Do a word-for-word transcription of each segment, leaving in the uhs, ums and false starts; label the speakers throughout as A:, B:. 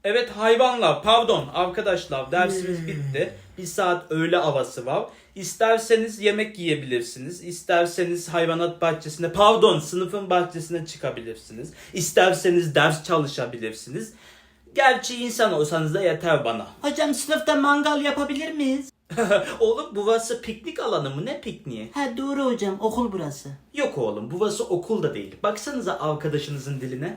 A: Evet hayvanlar, pardon arkadaşlar dersimiz bitti. Bir saat öğle havası var. İsterseniz yemek yiyebilirsiniz. İsterseniz hayvanat bahçesine, pardon sınıfın bahçesine çıkabilirsiniz. İsterseniz ders çalışabilirsiniz. Gerçi insan olsanız da yeter bana.
B: Hocam sınıfta mangal yapabilir miyiz?
A: Oğlum burası piknik alanı mı, ne pikniği?
B: Ha doğru hocam, okul burası.
A: Yok oğlum burası okul da değil. Baksanıza arkadaşınızın diline.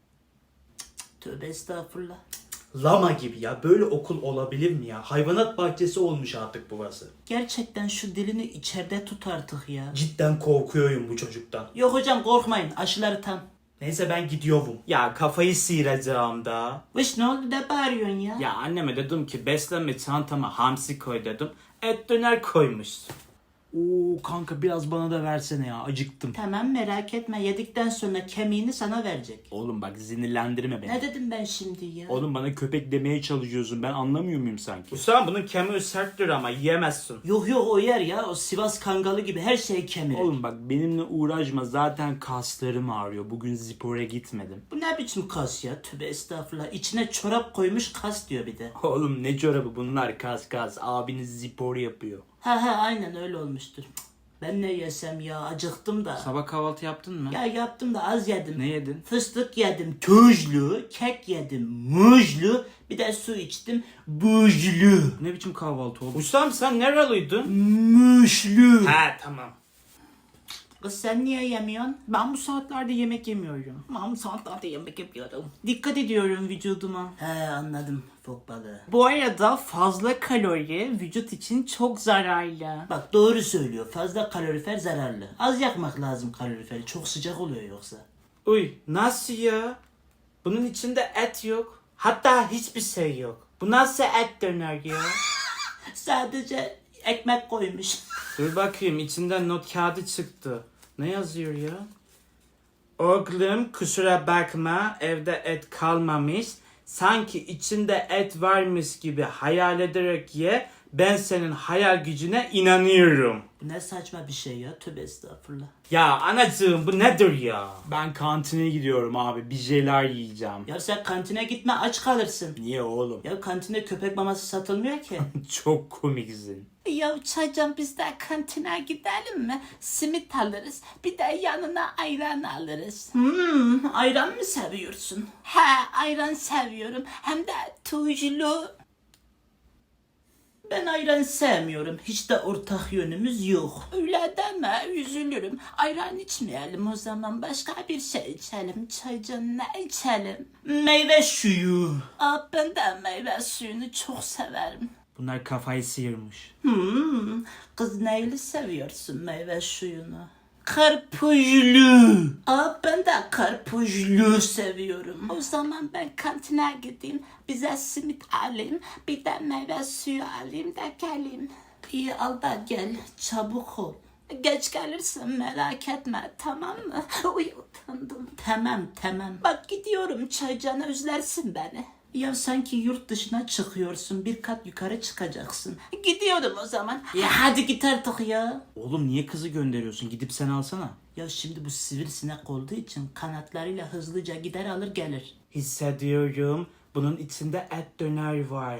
B: Tövbe estağfurullah.
A: Lama gibi ya, böyle okul olabilir mi ya? Hayvanat bahçesi olmuş artık burası.
B: Gerçekten şu dilini içeride tut artık ya.
A: Cidden korkuyorum bu çocuktan.
B: Yok hocam korkmayın, aşıları tam.
A: Neyse ben gidiyorum. Ya kafayı sıyıracağım da.
B: Vış ne oldu da bağırıyorsun ya?
A: Ya anneme dedim ki beslenme çantama hamsi koy dedim. Et döner koymuş. Oo kanka biraz bana da versene ya, acıktım.
B: Tamam merak etme, yedikten sonra kemiğini sana verecek.
A: Oğlum bak sinirlendirme beni.
B: Ne dedim ben şimdi ya?
C: Oğlum bana köpek demeye çalışıyorsun. Ben anlamıyor muyum sanki?
A: Hüsam bunun kemiği serttir ama yiyemezsin.
B: Yok yok o yer ya, o Sivas Kangalı gibi her şeyi kemirir.
C: Oğlum bak benimle uğraşma. Zaten kaslarım ağrıyor. Bugün spora gitmedim.
B: Bu ne biçim kas ya? Tövbe estağfurullah. İçine çorap koymuş kas diyor bir de.
C: Oğlum ne çorabı bunlar, kas kas. Abiniz spor yapıyor.
B: Ha ha aynen öyle olmuştur. Ben ne yesem ya, acıktım da.
C: Sabah kahvaltı yaptın mı?
B: Ya yaptım da az yedim.
C: Ne yedin?
B: Fıstık yedim tuzlu, kek yedim muzlu, bir de su içtim buzlu.
C: Ne biçim kahvaltı oldu?
A: Hüsam sen nereliydin?
B: Muşlu.
A: He tamam.
B: Kız sen niye yemiyorsun?
C: Ben bu saatlerde yemek yemiyorum.
B: Ben bu saatlerde yemek yapıyorum. Dikkat ediyorum vücuduma. He anladım, fok balığı.
C: Bu arada fazla kalori vücut için çok zararlı.
B: Bak doğru söylüyor, fazla kalorifer zararlı. Az yakmak lazım kaloriferi, çok sıcak oluyor yoksa.
A: Uy nasıl ya? Bunun içinde et yok. Hatta hiçbir şey yok. Bu nasıl et döner ya?
B: Sadece ekmek koymuş.
A: Dur bakayım içinden not kağıdı çıktı. Ne yazıyor ya? Oğlum kusura bakma evde et kalmamış. Sanki içinde et varmış gibi hayal ederek ye. Ben senin hayal gücüne inanıyorum.
B: Bu ne saçma bir şey ya, tövbe estağfurullah.
A: Ya anacığım bu nedir ya?
C: Ben kantine gidiyorum abi. Bir şeyler yiyeceğim.
B: Ya sen kantine gitme, aç kalırsın.
C: Niye oğlum?
B: Ya kantinde köpek maması satılmıyor ki.
C: Çok komiksin.
B: Ya Çaycan biz de kantine gidelim mi? Simit alırız. Bir de yanına ayran alırız. Hmm, ayran mı seviyorsun? He, ayran seviyorum. Hem de tuzlu. Ben ayran sevmiyorum. Hiç de ortak yönümüz yok. Öyle deme, üzülürüm. Ayran içmeyelim o zaman. Başka bir şey içelim. Çaycan ne içelim? Meyve suyu. Aa, ben de meyve suyunu çok severim.
C: Bunlar kafayı sıyırmış.
B: Hmm, kız neyli seviyorsun meyve suyunu? Karpuzlu. Aa, ben de karpuzlu seviyorum. O zaman ben kantine gideyim, bize simit alayım, bir de meyve suyu alayım da geleyim. İyi al da gel, çabuk ol. Geç gelirsin merak etme, tamam mı? Uy utandım. Tamam tamam. Bak gidiyorum, Çaycan özlersin beni. Ya sanki yurt dışına çıkıyorsun, bir kat yukarı çıkacaksın. Gidiyorum o zaman. Ya hadi git artık ya.
C: Oğlum niye kızı gönderiyorsun? Gidip sen alsana.
B: Ya şimdi bu sivrisinek olduğu için kanatlarıyla hızlıca gider alır gelir.
A: Hissediyorum. Bunun içinde et döner var.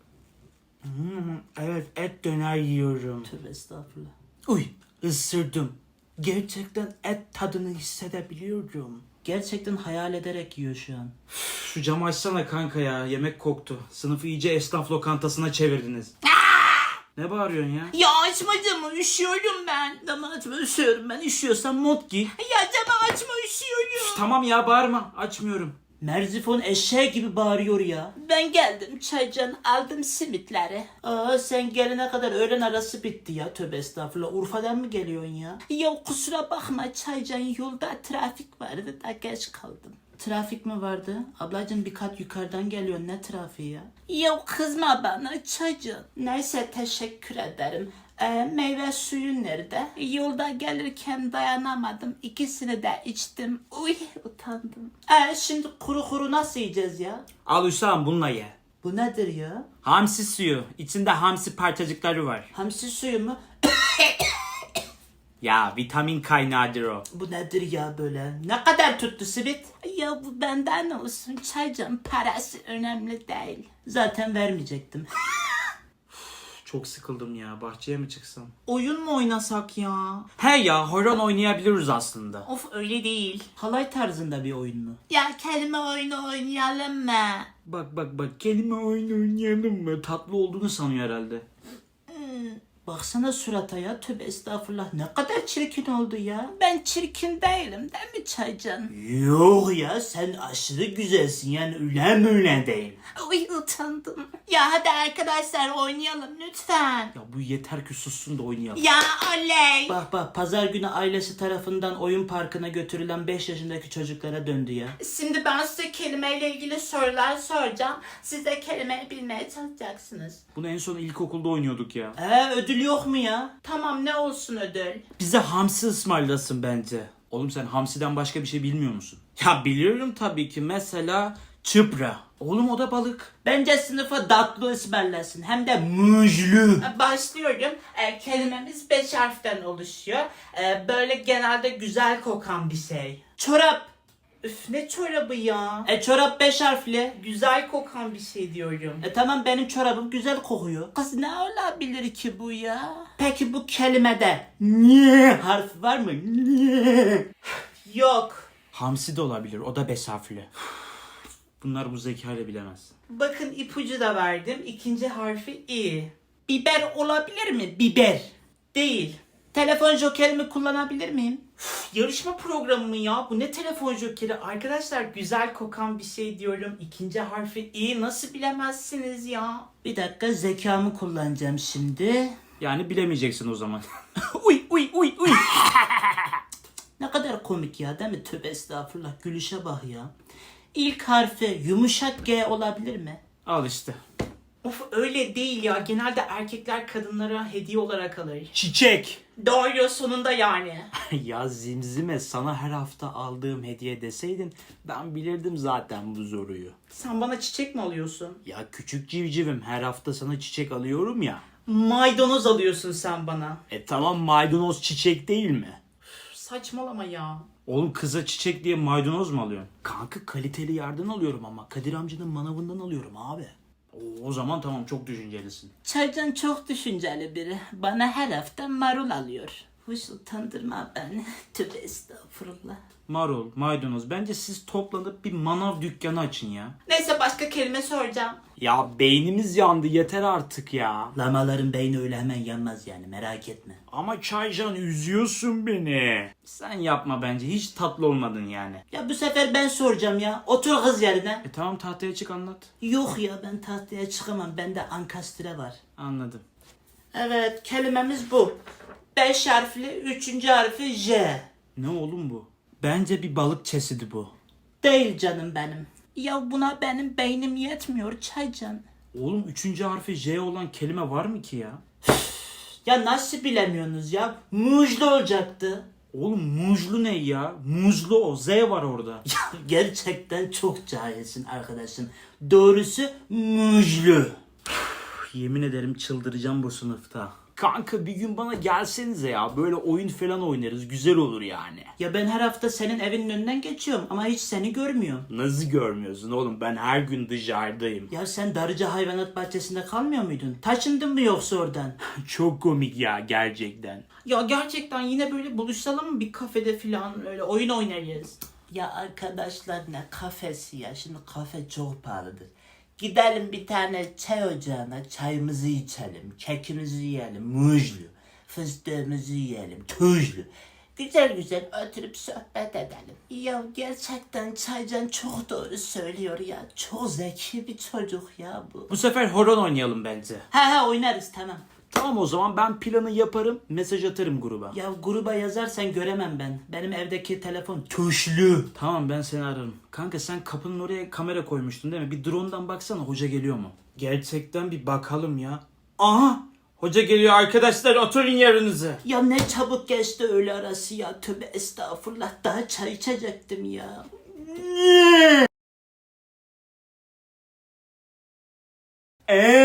A: Hmm, evet et döner yiyorum.
B: Tövbe estağfurullah.
A: Uy ısırdım. Gerçekten et tadını hissedebiliyorum.
B: Gerçekten hayal ederek yiyor şu an.
A: Şu camı açsana kanka ya. Yemek koktu. Sınıfı iyice esnaf lokantasına çevirdiniz. Ne bağırıyorsun ya?
B: Ya açma camı, üşüyorum ben. Camı açma, üşüyorum ben. Üşüyorsan mont giy. Ya camı açma, üşüyorum.
A: Tamam ya bağırma. Açmıyorum.
B: Merzifon eşeği gibi bağırıyor ya. Ben geldim Çaycan, aldım simitleri. Aa sen gelene kadar öğlen arası bitti ya, tövbe estağfurullah. Urfa'dan mı geliyorsun ya? Ya kusura bakma Çaycan, yolda trafik vardı da geç kaldım. Trafik mi vardı? Ablacığım bir kat yukarıdan geliyor, ne trafiği ya? Ya kızma bana Çaycan. Neyse teşekkür ederim. Ee, meyve suyu nerede? Yolda gelirken dayanamadım. İkisini de içtim. Uy utandım. Ee, şimdi kuru kuru nasıl yiyeceğiz ya?
A: Al Hüsam bununla ye.
B: Bu nedir ya?
A: Hamsi suyu. İçinde hamsi parçacıkları var.
B: Hamsi suyu mu?
C: Ya vitamin kaynağıdır o.
B: Bu nedir ya böyle? Ne kadar tuttu simit? Ya bu benden olsun. Çaycan parası önemli değil. Zaten vermeyecektim.
C: Çok sıkıldım ya. Bahçeye mi çıksam?
B: Oyun mu oynasak ya?
C: He ya horon oynayabiliriz aslında.
B: Of öyle değil. Halay tarzında bir oyun mu? Ya kelime oyunu oynayalım mı?
C: Bak bak bak kelime oyunu oynayalım mı? Tatlı olduğunu sanıyor herhalde.
B: Baksana surata ya, tövbe estağfurullah, ne kadar çirkin oldu ya. Ben çirkin değilim değil mi Çaycan? Yok ya, sen aşırı güzelsin yani, öyle mi öyle değil. Uy utandım. Ya hadi arkadaşlar oynayalım lütfen.
C: Ya bu yeter ki sussun da oynayalım.
B: Ya oley. Bak bak, pazar günü ailesi tarafından oyun parkına götürülen beş yaşındaki çocuklara döndü ya. Şimdi ben size kelimeyle ilgili sorular soracağım. Siz de kelimeyi bilmeye çalışacaksınız.
C: Bunu en son ilkokulda oynuyorduk ya.
B: Ee ödül yok mu ya? Tamam, ne olsun ödül?
C: Bize hamsi ısmarlasın bence. Oğlum sen hamsiden başka bir şey bilmiyor musun? Ya biliyorum tabii ki, mesela çıpra. Oğlum o da balık.
B: Bence sınıfa tatlı ısmarlasın, hem de muzlu. Başlıyorum. E, kelimemiz beş harften oluşuyor. E, böyle genelde güzel kokan bir şey. Çorap. Üf, ne çorabı ya? E çorap beş harfli. Güzel kokan bir şey diyorum. E tamam, benim çorabım güzel kokuyor. Kız ne olabilir ki bu ya? Peki bu kelimede ne harfi var mı? Ne? Yok.
C: Hamsi de olabilir, o da beş harfli. Bunlar bu zekayla bilemez.
B: Bakın, ipucu da verdim. İkinci harfi i. Biber olabilir mi? Biber. Değil. Telefon jokerimi kullanabilir miyim? Üf, yarışma programı mı ya? Bu ne telefon jokeri? Arkadaşlar, güzel kokan bir şey diyorum. İkinci harfi i. Nasıl bilemezsiniz ya? Bir dakika, zekamı kullanacağım şimdi.
C: Yani bilemeyeceksin o zaman.
B: Uy uy uy uy. Ne kadar komik ya, değil mi? Tövbe estağfurullah. Gülüşe bak ya. İlk harfi yumuşak G olabilir mi?
C: Al işte.
B: Of öyle değil ya. Genelde erkekler kadınlara hediye olarak alır.
C: Çiçek.
B: Doğru, sonunda yani.
C: Ya Zimzime, sana her hafta aldığım hediye deseydin ben bilirdim zaten bu soruyu.
B: Sen bana çiçek mi alıyorsun?
C: Ya küçük civcivim, her hafta sana çiçek alıyorum ya.
B: Maydanoz alıyorsun sen bana.
C: E tamam, maydanoz çiçek değil mi?
B: Üf, saçmalama ya.
C: Oğlum kıza çiçek diye maydanoz mu alıyorsun? Kanka kaliteli yerden alıyorum ama Kadir amcanın manavından alıyorum abi. Oo, o zaman tamam, çok düşüncelisin.
B: Çaycan çok düşünceli biri. Bana her hafta marul alıyor. Hoş, utandırma beni. Tövbe estağfurullah.
C: Marul, maydanoz, bence siz toplanıp bir manav dükkanı açın ya.
B: Neyse, başka kelime soracağım.
C: Ya beynimiz yandı, yeter artık ya.
B: Lamaların beyni öyle hemen yanmaz yani, merak etme.
C: Ama Çaycan, üzüyorsun beni. Sen yapma bence, hiç tatlı olmadın yani.
B: Ya bu sefer ben soracağım ya. Otur kız yerine.
C: E tamam, tahtaya çık, anlat.
B: Yok ya, ben tahtaya çıkamam. Bende ankastre var.
C: Anladım.
B: Evet, kelimemiz bu. Beş harfli, üçüncü harfi J.
C: Ne oğlum bu? Bence bir balık çeşidi bu.
B: Değil canım benim. Ya buna benim beynim yetmiyor Çaycan.
C: Oğlum üçüncü harfi J olan kelime var mı ki ya?
B: Ya nasıl bilemiyorsunuz ya? Muzlu olacaktı.
C: Oğlum muzlu ne ya? Muzlu o. Z var orada.
B: Ya gerçekten çok cahilsin arkadaşım. Doğrusu muzlu.
C: Yemin ederim çıldıracağım bu sınıfta. Kanka bir gün bana gelsenize ya. Böyle oyun falan oynarız. Güzel olur yani.
B: Ya ben her hafta senin evinin önünden geçiyorum ama hiç seni görmüyorum.
C: Nasıl görmüyorsun oğlum? Ben her gün dışarıdayım.
B: Ya sen Darıca Hayvanat Bahçesi'nde kalmıyor muydun? Taşındın mı yoksa oradan?
C: Çok komik ya, gerçekten.
B: Ya gerçekten yine böyle buluşalım mı bir kafede falan, öyle oyun oynarız. Ya arkadaşlar, ne kafesi ya, şimdi kafe çok pahalıdır. Gidelim bir tane çay ocağına, çayımızı içelim, kekimizi yiyelim, muzlu, fıstığımızı yiyelim, tuzlu. Güzel güzel oturup sohbet edelim. Ya gerçekten Çaycan çok doğru söylüyor ya. Çok zeki bir çocuk ya bu.
C: Bu sefer horon oynayalım bence.
B: Ha ha, oynarız, tamam.
C: Tamam, o zaman ben planı yaparım. Mesaj atarım gruba.
B: Ya gruba yazarsan göremem ben. Benim evdeki telefon tuşlu.
C: Tamam, ben seni ararım. Kanka sen kapının oraya kamera koymuştun değil mi? Bir drone'dan baksana, hoca geliyor mu? Gerçekten bir bakalım ya. Aha! Hoca geliyor arkadaşlar, oturun yerinize.
B: Ya ne çabuk geçti öğle arası ya. Tövbe estağfurullah, daha çay içecektim ya.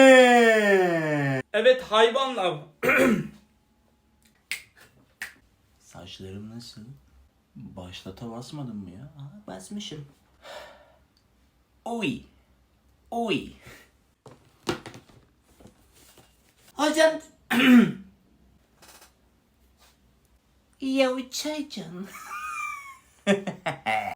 C: Eee.
A: Evet hayvanlar.
C: Saçlarım nasıl? Başlata basmadın mı ya?
B: Aa, basmışım. Oy. Oy. Hocam. Ya çaycan.